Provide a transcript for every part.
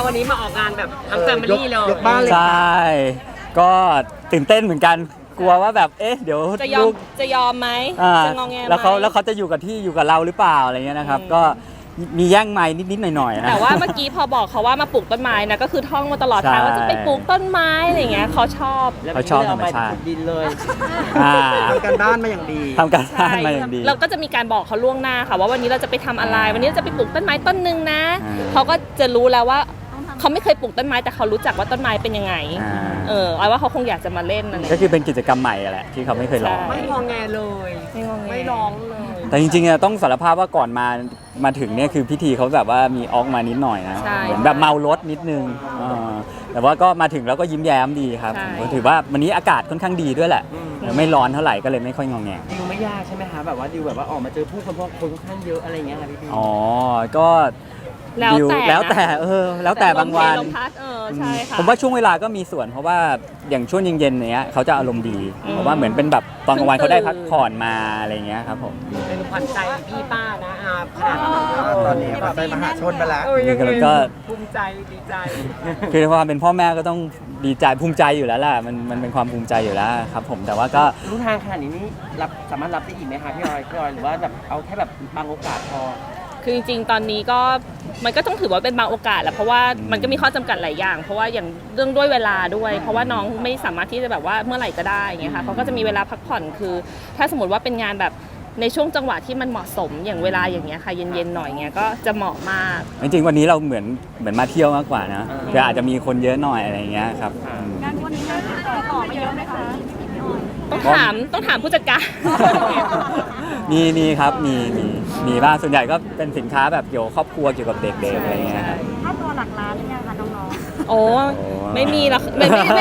วันนี้มาออกงานแบบทั้งแฟมิลี่เลยยกบ้านเลยใช่ก็ตื่นเต้นเหมือนกันกลัวว่าแบบเดี๋ยวจะยอมไหมอ่าจะงอแงไหมแล้วเขาจะอยู่กับที่อยู่กับเราหรือเปล่าอะไรเงี้ยนะครับก็มีแย่งไม้นิดๆหน่อยๆนะแต่ว่าเมื่อกี้พอบอกเขาว่ามาปลูกต้นไม้นะก็คือท่องมาตลอดทางใช่ว่าจะไปปลูกต้นไม้อะไรอย่างเงี้ยเขาชอบเขาชอบธรรมชาติดินเลยอ่าทำการบ้านมาอย่างดีทำการบ้าใช่นมาอย่างดีเราก็จะมีการบอกเขาล่วงหน้าค่ะว่าวันนี้เราจะไปทำอะไร วันนี้เราจะไปปลูกต้นไม้ต้นหนึ่งนะอ่าเขาก็จะรู้แล้วว่าเขาไม่เคยปลูกต้นไม้แต่เขารู้จักว่าต้นไม้เป็นยังไงอ่าเอาว่าเขาคงอยากจะมาเล่นอะไรก็คือเป็นกิจกรรมใหม่แหละที่เขาไม่เคยลองใช่ไม่งอแงเลยไม่งอแงไม่ร้องเลยแต่จริงๆต้องสารภาพว่าก่อนมาถึงเนี่ยคือพิธีเขาแบบว่ามีออกมานิดหน่อยนะใช่เหมือนแบบเมารถนิดนึงแต่ว่าก็มาถึงแล้วก็ยิ้มแย้มดีครับใช่ผมถือว่าวันนี้อากาศค่อนข้างดีด้วยแหละไม่ร้อนเท่าไหร่ก็เลยไม่ค่อยงอแงดิวไม่ยากใช่ไหมคะแบบว่าดิวแบบว่าออกมาเจอผู้คนเพราะคนค่อนข้างเยอะอะไรอย่างเงี้ยค่ะพี่ดิวอ๋อก็แล้วดิวแต่แล้วแต่นะแล้วแต่บางวันลมพัดใช่ค่ะผมว่าช่วงเวลาก็มีส่วนเพราะว่าอย่างช่วงเย็นๆเนี้ยเขาจะอารมณ์ดีเพราะว่าเหมือนเป็นแบบตอนกลางวันเขาได้พักผ่อนมาอะไรเงี้ยครับผมเป็นขวัญใจพี่ป้านะขนาดนั้นตอนนี้แบบไปมหาชนไปแล้วนี่ก็ภูมิใจดีใจคือความเป็นพ่อแม่ก็ต้องดีใจภูมิใจอยู่แล้วล่ะมันเป็นความภูมิใจอยู่แล้วครับผมแต่ว่าก็รู้ทางขนาดนี้นี่สามารถรับได้อีกไหมคะพี่ออยหรือว่าแบบเอาแค่แบบบางโอกาสพอคือจริงๆ ตอนนี้ก็มันก็ต้องถือว่าเป็นบางโอกาสแหละเพราะว่ามันก็มีข้อจำกัดหลายอย่าง เพราะว่าอย่างเรื่องด้วยเวลาด้วย เพราะว่าน้องไม่สามารถที่จะแบบว่าเมื่อไหร่ก็ได้อย่างเงี้ยค่ะเขาก็จะมีเวลาพักผ่อนคือ ถ้าสมมติว่าเป็นงานแบบในช่วงจังหวะที่มันเหมาะสมอย่างเวลาอย่างเงี้ยค่ะเย็นๆหน่อยเงี้ยก็จะเหมาะมากจริงๆวันนี้เราเหมือนมาเที่ยวมากกว่านะคืออาจจะมีคนเยอะหน่อยอะไรเงี้ยครับงานวันนี้งานต่อมาเยอะไหมคะต้องถามผู้จัดการมีครับมีบ้างส่วนใหญ่ก็เป็นสินค้าแบบเกี่ยวกับครอบครัวเกี่ยวกับเด็กๆอะไรเงี้ยครับค่าตัวหลักล้านหรือยังคะน้องโอ้ไม่มีหรอกไม่ขนาดนั้น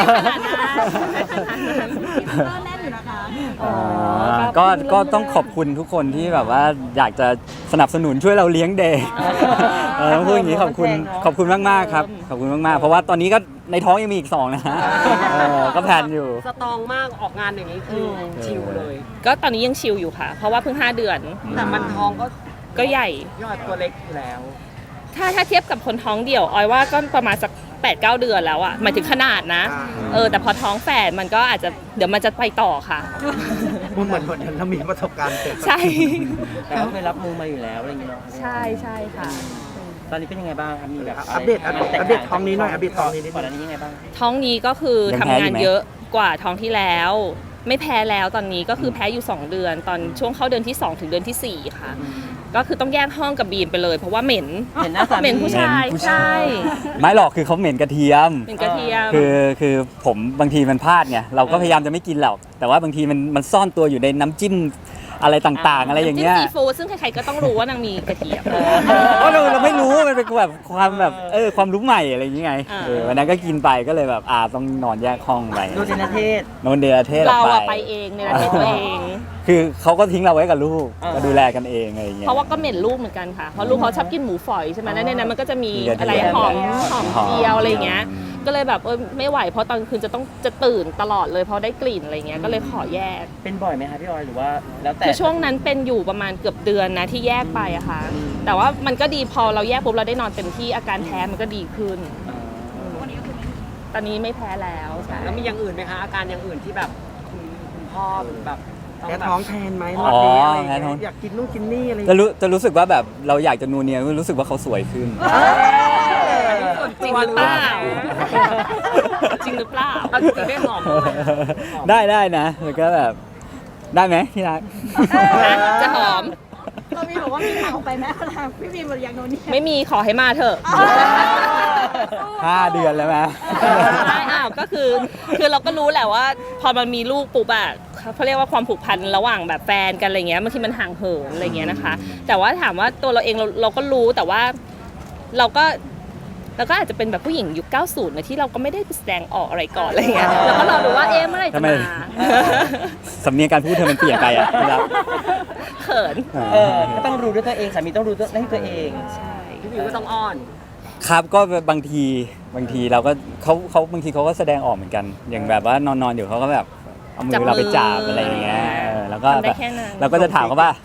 ๆก็แน่นอยู่นะคะก็ต้องขอบคุณทุกคนที่แบบว่าอยากจะสนับสนุนช่วยเราเลี้ยงเด็กต้องพูดอย่างนี้ขอบคุณมากๆครับขอบคุณมากๆเพราะว่าตอนนี้ก็ในท้องยังมีอีก2นะก็แพลนอยู่สตรองมากออกงานอย่างนี้คือชิลเลยก็ตอนนี้ยังชิลอยู่ค่ะ เพราะว่าเพิ่ง5 เดือนแต่มันท้องก็ใหญ่ยอดตัวเล็กอยู่แล้วถ้าเทียบกับคนท้องเดี่ยวออยว่าก็ประมาณสัก8-9 เดือนแล้วอะหมายถึงขนาดนะแต่พอท้องแฝดมันก็อาจจะเดี๋ยวมันจะไปต่อค่ะมันเหมือนเรามีประสบการณ์เกิดใช่แต่ก็เคยรับมือมาอยู่แล้วอะไรอย่างเงี้ยเนาะใช่ค่ะตอนนี้เป็นยังไงบ้างครับมีแบบอัปเดตท้องนี้หน่อยอัปเดตท้องนี้นิดก่อนนึอันงนี้ยังไงบ้างท้องนี้ก็คือยังทำแพ้งาอยู่นไหมเยอะกว่าท้องที่แล้ว ไม่แพ้แล้วตอนนี้ก็คือแพ้อยู่2 เดือน ตอนช่วงเข้าเดือนที่2ถึงเดือนที่4ค่ะ ก็คือต้องแยกห้องกับบีมไปเลย เพราะว่าเหม็นเห็นหน้าสามีเหม็นผู้ชายใช่ไม่หรอกคือเขาเหม็นกระเทียมเหม็นกระเทียมคือผมบางทีมันพลาดไงเราก็พยายามจะไม่กินหรอกแต่ว่าบางทีมันซ่อนตัวอยู่ในน้ำจิ้มอะไรต่างๆ อะไรอย่างเงี้ยน้ำจิ้มซีฟู้ดซึ่งใครๆก็ต้องรู้ว่านางมีกระเทียมเพราะเราไม่รู้มันเป็นแบบความแบบความรู้ใหม่อะไรอย่างเงี้ยอ่าวันนั้นก็กินไปก็เลยแบบต้องนอนแยกห้องไปดูเจนเทศนอนเดลเทศเราออะอกไปเองในประเทศตัวเองคือเขาก็ทิ้งเราไว้กับลูกอ่าก็ดูแลกันเองอะไรอย่างเงี้ยเพราะว่าก็เหม็นลูกเหมือนกันค่ะ เพราะลูกเขาชอบกินหมูฝอยใช่ไหมแล้วในนั้นมันก็จะมีมีกระเทียมอะไรหอมเจียวอะไรอย่างเงี้ย ก็เลยแบบไม่ไหวเพราะตอนคืนจะตื่นตลอดเลยเพราะได้กลิ่นอะไรเงี้ยก็เลยขอแยกเป็นบ่อยไหมคะพี่ออยหรือว่าแล้วแต่คือช่วงนั้นเป็นอยู่ประมาณเกือบเดือนนะที่แยกไปอะค่ะ แต่ว่ามันก็ดีพอเราแยกปุ๊บเราได้นอนเต็มที่อาการแพ้มันก็ดีขึ้น ตอนนี้ไม่แพ้แล้วใช่แล้วมีอย่างอื่นไหมคะ อาการอย่างอื่นที่แบบคุณพ่อแบบต้องแพ้แบบท้องแทนไหมอ๋รออบนี้อะไรแพ้ท้องอยากกินนู่นกินนี่อะไรจะรู้สึกว่าแบบเราอยากจะนูเนียรู้สึกว่าเขาสวยขึ้นจริงหรือเปล่าจริงหรือเปล่าเอาจริงๆไม่หอมเลยอะได้นะแล้วก็แบบได้ไหมที่รักจะหอมเรามีบอกว่ามีข่าวไปไหมทางพี่บีมบอกอยากโดนนี่ไม่มีขอให้มาเถอะ 5 เดือนแล้วไหมใช่ก็คือเราก็รู้แหละว่าพอมันมีลูกปุ๊บอะเขาเรียกว่าความผูกพันระหว่างแบบแฟนกันอะไรเงี้ยบางทีมันห่างเหินอะไรเงี้ยนะคะ แต่ว่าถามว่าตัวเราเองเราก็รู้แต่ว่าเราก็อาจจะเป็นแบบผู้หญิงยุค 90นะที่เราก็ไม่ได้แสดงออกอะไรก่อนอะไรเงี้ยเราก็รอดูว่าเมื่อไหร่จะทำไมมาสำเนียงการพูดเธอมันเปลี่ยนไปอ่ะที่รักเขินก็ต้องรู้ด้วยตัวเองสามีต้องรู้ด้วยตัวเองใช่พี่บิวก็ต้องอ้อนครับก็บางทีเราก็เขาบางทีเขาก็แสดงออกเหมือนกัน อย่างแบบว่านอนอยู่เขาก็แบบเอามือเราไปจับอะไรอย่างเงี้ยแล้วก็ทำได้แบบแค่นั้นเราก็จะถามเขาว่า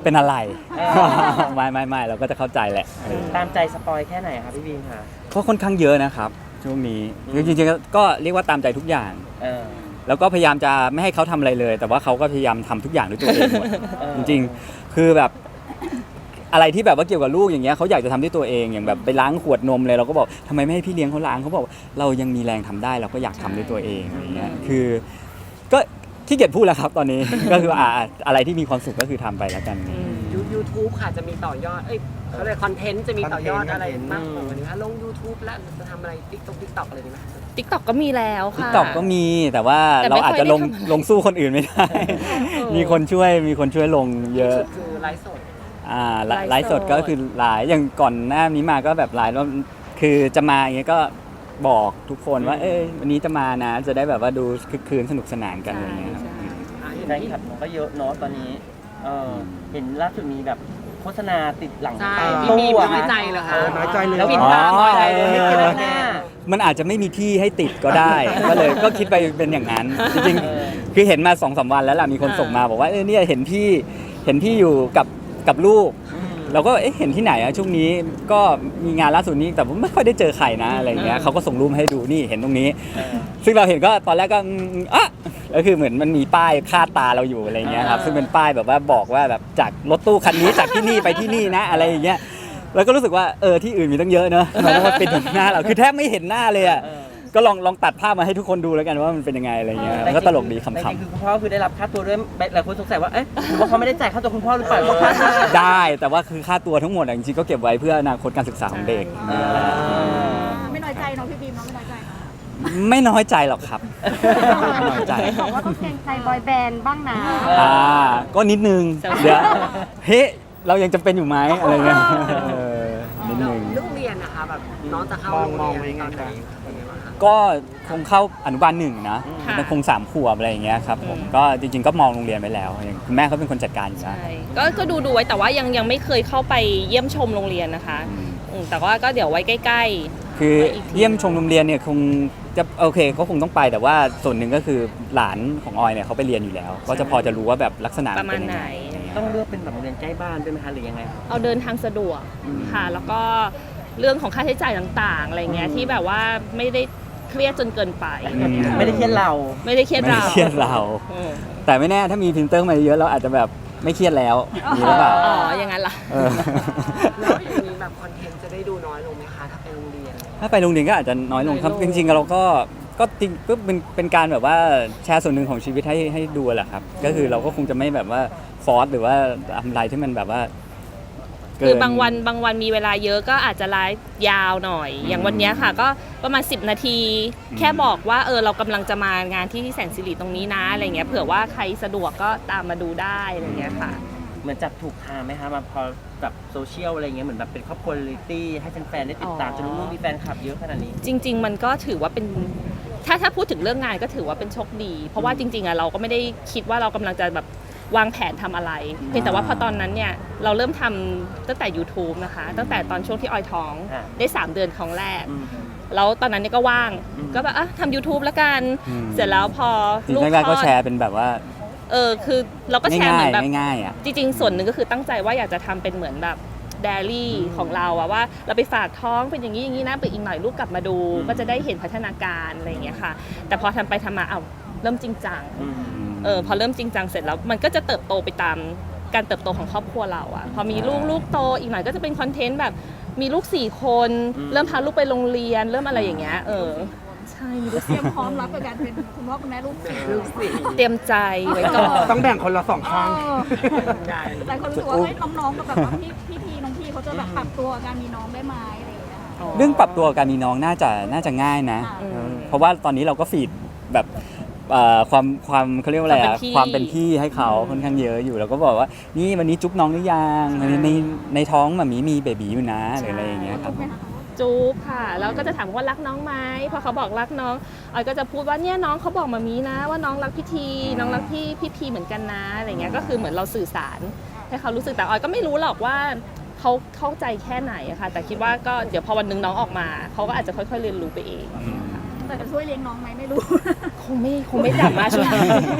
เป็นอะไรเออไม่เราก็จะเข้าใจแหละเออตามใจสปอยแค่ไหนคะพี่บีมคะก็ค่อนข้างเยอะนะครับช่วงนี้จริงๆก็เรียกว่าตามใจทุกอย่างเออแล้วก็พยายามจะไม่ให้เขาทำอะไรเลย แต่ว่าเขาก็พยายามทำทุกอย่างด้วยตัวเองหมดเออจริงๆ คือแบบอะไรที่แบบว่าเกี่ยวกับลูกอย่างเงี้ยเขาอยากจะทำด้วยตัวเองอย่างแบบไปล้างขวดนมเลยเราก็บอกทำไมไม่ให้พี่เลี้ยงเขาล้างเขาบอกเรายังมีแรงทำได้เราก็อยากทำด้วยตัวเองอย่างเงี้ยคือก็ที่เกียจพูดแล้วครับตอนนี้ ก็คืออะไรที่มีความสุขก็คือทำไปแล้วกัน YouTube ค่ะจะมีต่อยอดเขาเรียกคอนเทนต์จะมีต่อยอดอะไรมากกว่านี้คะลง YouTube แล้วจะทำอะไร TikTok อะไรดีไหม TikTok ก็มีแล้วค่ะ TikTok ก็มีแต่ว่าแต่เราไม่ค่อยอาจจะลงได้ทำลงสู้คนอื่นไม่ได้ มีคนช่วยลงเยอะสุดคือไลฟ์สดไลฟ์สดก็คือไลฟ์อย่างก่อนหน้านี้มาก็แบบไลฟ์ว่าคือจะมาอย่างเงี้ยก็บอกทุกคนว่าวันนี้จะมานะจะได้แบบว่าดูคึกคืนสนุกสนานกันอะไรเงี้ยครับแฟนคลับก็เยอะเนาะตอนนี้เห็นล่าสุดมีแบบโฆษณาติดหลังใช่ตู้พี่บีมอะน้อยใจเหรอคะน้อยใจเลยแล้วปิดปิดตาตาบ่อยอะไรเลยไม่กินหน้ามันอาจจะไม่มีที่ให้ติดก็ได้ ก็คิดไปเป็นอย่างนั้นจริงเออๆคือเห็นมา 2-3 วันแล้วล่ะมีคนส่งมาบอกว่าเนี่ยเห็นพี่อยู่กับลูก เราก็เห็นที่ไหนอะช่วงนี้ก็มีงานล่าสุดนี้แต่ผมไม่ค่อยได้เจอใครนะอะไรเงี้ยเขาก็ส่งรูปมาให้ดูนี่เห็นตรงนี้ ซึ่งเราเห็นก็ตอนแรกก็ก็คือเหมือนมันมีป้ายคาดตาเราอยู่อะไรเงี้ยครับซึ่งเป็นป้ายแบบว่าบอกว่าแบบจากรถตู้คันนี้จากที่นี่ไปที่นี่นะอะไรอย่างเงี้ยแล้วก็รู้สึกว่าที่อื่นมีตั้งเยอะเนอะมันต้องมาเป็นหน้าเราคือแทบไม่เห็นหน้าเลยอะก็ลองตัดภาพมาให้ทุกคนดูแล้วกันว่ามันเป็นยังไงอะไรเงี้ยมันก็ตลกดีขำแต่จริงๆคือคุณพ่อคือได้รับค่าตัวด้วยหลายคนสงสัยว่าหรือว่าเขาไม่ได้จ่ายค่าตัวคุณพ่อหรือเปล่าเขาค่าตัวๆได้แต่ว่าคือค่าตัวทั้งหมดอะจริงๆก็เก็บไว้เพื่ออนาคตการศึกษาของเด็กไม่น้อยใจเนาะพี่บีมเนาะไม่น้อยใจเนาะไม่น้อยใจหรอกครับไม่น้อยใจบอกว่าต้องเกรงใจบอยแบนด์บ้างนะก็นิดนึงเดี๋ยวเรายังจำเป็นอยู่ไหมอะไรเงี้ยนิดนึงเรื่องเรียนนะคะแบบน้องจะเข้าโรงเรียนตอนไหนเป็นไงบ้างคะก็คงเข้าอนุบาล1นะค่ะมันคง3 ขวบอะไรอย่างเงี้ยครับผมก็จริงๆก็มองโรงเรียนไปแล้วอย่างคุณแม่เขาเป็นคนจัดการอยู่แล้วใช่ก็ดูไว้แต่ว่ายังไม่เคยเข้าไปเยี่ยมชมโรงเรียนนะคะแต่ว่าก็เดี๋ยวไว้ใกล้คือเยี่ยมชมโรงเรียนเนี่ยคงจะโอเคก็คงต้องไปแต่ว่าส่วนหนึ่งก็คือหลานของออยเนี่ยเขาไปเรียนอยู่แล้ว ก็จะพอจะรู้ว่าแบบลักษณะๆประมาเป็ณนยังไหนไงต้องเลือกเป็นแบบโรงเรียนใกล้บ้านด้วยไหมคะหรือยังไงครับเอาเดินทางสะดวกค่ะ แล้วก็เรื่องของค่าใช้จ่ายต่างๆอะไรเงี้ยที่แบบว่าไม่ได้เครียดจนเกินไปไม่ได้เครียดเราไม่ได้เครียดไม่เราได้เครียดเราอืมแต่ไม่แน่ถ้ามีพรินเตอร์มาเยอะเราอาจจะแบบไม่เครียดแล้วมีหรือเปล่าอ๋ออย่างนั้นล่ะเออแล้วอย่างนี้แบบคอนเทนต์จะได้ดูน้อยลงไหมคะถ้าไปโรงเรียนถ้าไปโรงเรียนก็อาจจะน้อยลงครับน้อยลจงริงๆเราก็จริงก็เป็นการแบบว่าแชร์ส่วนหนึ่งของชีวิตให้ดูแหละครับ ก็คือเราก็คงจะไม่แบบว่าฟอร์สหรือว่าทำอะไรที่มันแบบว่าเกินคือบางวันมีเวลาเยอะก็อาจจะไลฟ์ยาวหน่อย อย่างวันเนี้ยค่ะก็ประมาณ10 นาที แค่บอกว่าเรากำลังจะมางานที่แสนสิริตรงนี้นะอะไรเงี้ยเผื่อว่าใครสะดวกก็ตามมาดูได้อะไรเงี้ยค่ะเหมือนจับถูกทางไหมคะมาพอแบบโซเชียลอะไรเงี้ยเหมือนแบบเป็นครอบครัวเรียลลิตี้ให้แฟนๆได้ติดตามจนลูกๆมีแฟนคลับเยอะขนาดนี้จริง ๆ มันก็ถือว่าเป็นถ้าพูดถึงเรื่องงานก็ถือว่าเป็นโชคดี เพราะว่าจริงๆเราก็ไม่ได้คิดว่าเรากำลังจะแบบวางแผนทำอะไรเพียงแต่ว่าพอตอนนั้นเนี่ยเราเริ่มทำตั้งแต่ YouTube นะคะตั้งแต่ตอนช่วงที่ออยท้องได้3 เดือนของแรก แล้วตอนนั้นเนี่ยก็ว่างก็แบบทำ YouTube แล้วกัน เสร็จแล้วพอจริงลูกๆแรกๆคลก็อดแชร์เป็นแบบว่าคือเราก็แชร์เหมือนแบบง่ายๆอ่ะจริงๆ ส่วนหนึ่งก็คือตั้งใจว่าอยากจะทำเป็นเหมือนแบบไดอารี่ของเราอะว่าเราไปฝากท้องเป็นอย่างนี้อย่างนี้นะไปอีกหน่อยลูกกลับมาดู ก็จะได้เห็นพัฒนาการอะไรอย่างเงี้ยค่ะ แต่พอทำไปทำมาเริ่มจริงจังพอเริ่มจริงจังเสร็จแล้วมันก็จะเติบโตไปตามการเติบโตของครอบครัวเราอะพอมีลูกโตอีกหน่อยก็จะเป็นคอนเทนต์แบบมีลูก4 คนเริ่มพาลูกไปโรงเรียนเริ่มอะไรอย่างเงี้ยใช่มีลูกเตรียมพร้อมรับกับการเป็นคุณพ่อคุณแม่ลูกสี่เตรียมใจไว้ก่อนต้องแบ่งคนละ2ข้างหลายคนรู้สึกว่าน้องๆกับแบบว่าพี่น้องพี่เขาจะแบบปรับตัวการมีน้องได้ไหมอะไรอย่างเงี้ยเรื่องปรับตัวการมีน้องน่าจะง่ายนะ เพราะว่าตอนนี้เราก็ฟีดแบบความเขาเรียกว่าอะไรอะความเป็นพี่ให้เขาค่อนข้างเยอะอยู่เราก็บอกว่านี่วันนี้จุ๊บน้องหรือยังในท้องมันมีเบบีอยู่นะหรืออะไรอย่างเงี้ยครับจูบค่ะแล้วก็จะถามว่ารักน้องไหมพอเขาบอกรักน้องออยก็จะพูดว่าเนี่ยน้องเขาบอกมามีนะว่าน้องรักพี่ทีน้องรักพี่พีเหมือนกันนะอะไรเงี้ยก็คือเหมือนเราสื่อสารให้เขารู้สึกแต่ออยก็ไม่รู้หรอกว่าเขาเข้าใจแค่ไหนอะค่ะแต่คิดว่าก็เดี๋ยวพอวันหนึงน้องออกมาเขาก็อาจจะค่อยๆเรียนรู้ไปเองแต่จะช่วยเลี้ยงน้องไหมไม่รู้คงไม่สามารถช่วย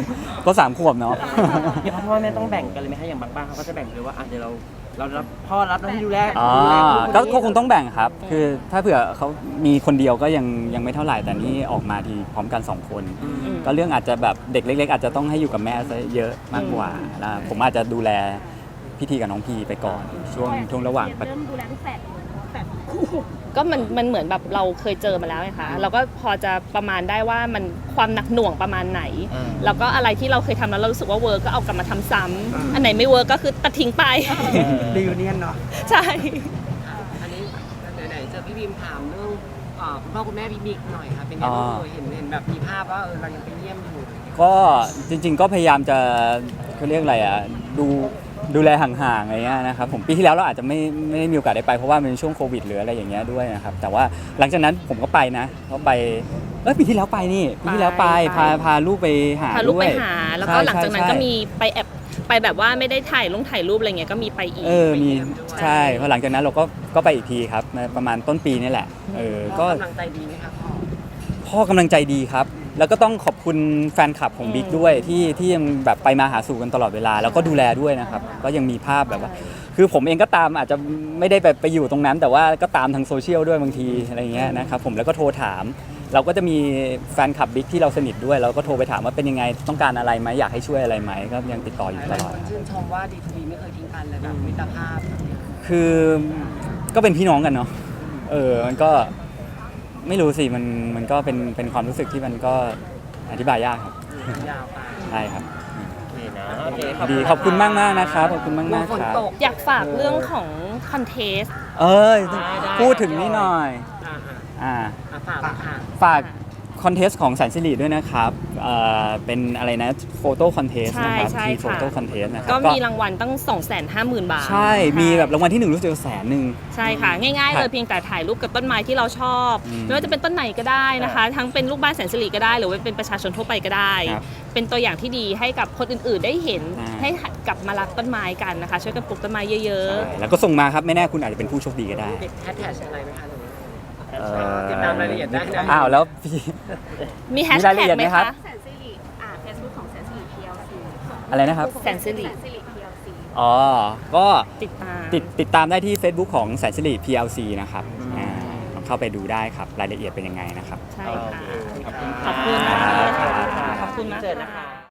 ก็3 ขวบเนาะอย่างพ่อแม่ต้องแบ่งกันเลยไหมคะอย่างบางบ้านเขาก็จะแบ่งเลยว่าเดี๋ยวเรารับพ่อรับหน้าที่ดูแลอ๋อดูแลลูก็คงต้องแบ่งครับ คือถ้าเผื่อเขามีคนเดียวก็ยังไม่เท่าไหร่ แต่นี่ออกมาทีพร้อมกัน 2 คน ก็เรื่องอาจจะแบบเด็กเล็กๆอาจจะต้องให้อยู่กับแม่ซะเยอะมากกว่าแล้วผมอาจจะดูแลพี่ทีกับน้องพีไปก่อนช่วงระหว่างเรื่องดูแลลูกแฝดคู่ก็มันเหมือนแบบเราเคยเจอมาแล้วไงคะเราก็พอจะประมาณได้ว่ามันความหนักหน่วงประมาณไหน แล้วก็อะไรที่เราเคยทำแล้วเรารู้สึกว่าเวิร์กก็เอากลับมาทำซ้ำอันไหนไม่เวิร์กก็คือตัดทิ้งไปรีวิเนียนเนาะใช่อันนี้ไหนๆเจอพี่บีมถามเรื่องคุณพ่อคุณแม่พี่บิ๊กหน่อยค่ะเป็นไงบ้างเห็นแบบมีภาพว่าเรายังไปเยี่ยมอยู่ก็จริงๆก็พยายามจะเขาเรียกอะไรอ่ะดูแลห่างๆอะไรเงี้ยนะครับผมปีที่แล้วเราอาจจะไม่ได้มีโอกาสได้ไปเพราะว่ามันเป็นช่วงโควิดหรืออะไรอย่างเงี้ยด้วยนะครับแต่ว่าหลังจากนั้นผมก็ไปนะเพราะไปปีที่แล้วไปนี่ปีที่แล้วไปพาลูกไปหาพาลูกด้วไปยหา แล้วก็หลังจากนั้นใช่ก็มีไปแอบไปแบบว่าไม่ได้ถ่ายรูปอะไรเงี้ยก็มีไปอีกมีใช่พอหลังจากนั้นเราก็ไปอีกทีครับประมาณต้นปีนี่แหละก็กำลังใจดีไหมคะพ่อพ่อกำลังใจดีครับ แล้วก็ต้องขอบคุณแฟนคลับของบิ๊กด้วยที่ยังแบบไปมาหาสู่กันตลอดเวลา แล้วก็ดูแลด้วยนะครับ ก็ยังมีภาพแบบว่า คือผมเองก็ตามอาจจะไม่ได้ไปอยู่ตรงนั้น แต่ว่าก็ตามทางโซเชียลด้วยบางทีอะไรเงี้ยนะครับผมแล้วก็โทรถาม เราก็จะมีแฟนคลับบิ๊กที่เราสนิทด้วย เราก็โทรไปถามว่าเป็นยังไงต้องการอะไรไหมอยากให้ช่วยอะไรไหมก็ยังติดต่ออยู่หตลายลอคดนชื่นชมว่าดีทูบีไม่เคยทิ้งกันเลยแบบมิตรภาพแบบเนี้ยคือก็เป็นพี่น้องกันเนาะมันก็ไม่รู้สิมันก็เป็นความรู้สึกที่มันก็อธิบายยากครับยาวไปใช่ครับโอเคนะโอเคดีขอบคุณมากนะครับขอบคุณมากฝนครับตกอยากฝากเรื่องของคอนเทสพูดถึงนี่หน่อยอ่าอ่าฝากค่ะฝากคอนเทสต์ของแสนสิริด้วยนะครับเป็นอะไรนะโฟโต้คอนเทสต์นะครับใช่ทีค่ะโฟโต้คอนเทสต์นะครับก็มีรางวัลตั้ง 250,000 บาทใช่มีแบบรางวัลที่ 1 รู้สึกว่า100,000 ใช่ค่ะ ง่ายๆเลยเพียงแต่ถ่ายรูปกับต้นไม้ที่เราชอบ ไม่ว่าจะเป็นต้นไหนก็ได้นะคะ ทั้งเป็นลูกบ้านแสนสิริก็ได้ หรือว่าเป็นประชาชนทั่วไปก็ได้ครับเป็นตัวอย่างที่ดีให้กับคนอื่นๆได้เห็นอ่าให้หัดกลับมารักต้นไม้กันนะคะ ช่วยกันปลูกต้นไม้เยอะใช่แล้วก็ส่งมาครับไม่แน่คุณอาจจะเป็นผู้โชคดีก็ได้ติดแฮชแท็กอะไรไหมคะหรือติดตามรายละเอียดได้นะอ้าวแล้วพี่ๆมีแฮชมีรายละแท็เอีกยดไหมไหมครัคะบแสนสิริเฟซบุ๊กของแสนสิริ PLC อะไรนะครับแสนสิริแสนสิริ PLC อ๋อก็ติดตามติดตามได้ที่ Facebook ของแสนสิริ PLC นะครับลองเข้าไปดูได้ครับรายละเอียดเป็นยังไงนะครับใช่ค่ะขอบคุณขอบคุณนะคะ ขอบคุณมากเจอนะค่ะคะ